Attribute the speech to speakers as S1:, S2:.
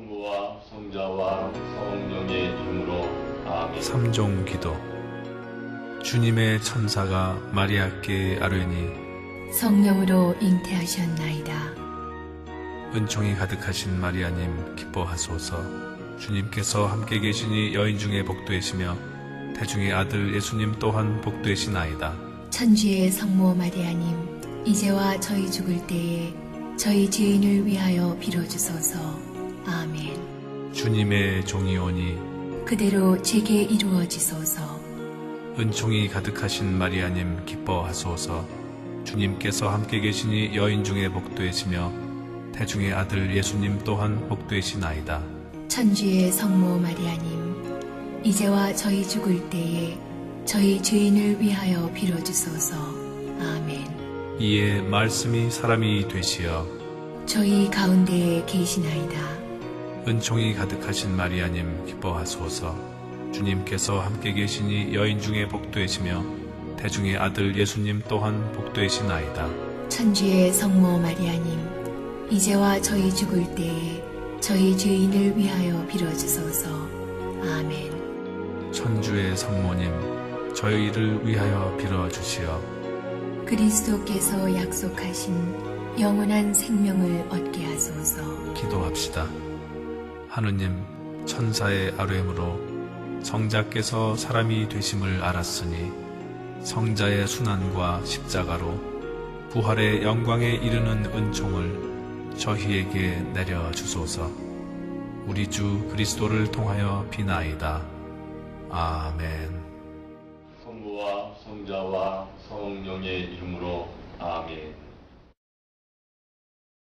S1: 성부와 성자와 성령의 이름으로 아멘.
S2: 삼종 기도. 주님의 천사가 마리아께 아뢰니
S3: 성령으로 잉태하셨나이다.
S2: 은총이 가득하신 마리아님 기뻐하소서. 주님께서 함께 계시니 여인 중에 복되시며 태중의 아들 예수님 또한 복되시나이다.
S3: 천주의 성모 마리아님, 이제와 저희 죽을 때에 저희 죄인을 위하여 빌어주소서. 아멘.
S2: 주님의 종이오니
S3: 그대로 제게 이루어지소서.
S2: 은총이 가득하신 마리아님 기뻐하소서. 주님께서 함께 계시니 여인 중에 복되시며 태중의 아들 예수님 또한 복되시나이다.
S3: 천주의 성모 마리아님, 이제와 저희 죽을 때에 저희 죄인을 위하여 빌어주소서. 아멘.
S2: 이에 말씀이 사람이 되시어
S3: 저희 가운데에 계시나이다.
S2: 은총이 가득하신 마리아님 기뻐하소서. 주님께서 함께 계시니 여인 중에 복되시며 태중의 아들 예수님 또한 복되시나이다.
S3: 천주의 성모 마리아님, 이제와 저희 죽을 때에 저희 죄인을 위하여 빌어주소서. 아멘.
S2: 천주의 성모님, 저희를 위하여 빌어주시어
S3: 그리스도께서 약속하신 영원한 생명을 얻게 하소서.
S2: 기도합시다. 하느님, 천사의 아뢰므로 성자께서 사람이 되심을 알았으니 성자의 순환과 십자가로 부활의 영광에 이르는 은총을 저희에게 내려주소서. 우리 주 그리스도를 통하여 비나이다. 아멘.
S1: 성부와 성자와 성령의 이름으로 아멘.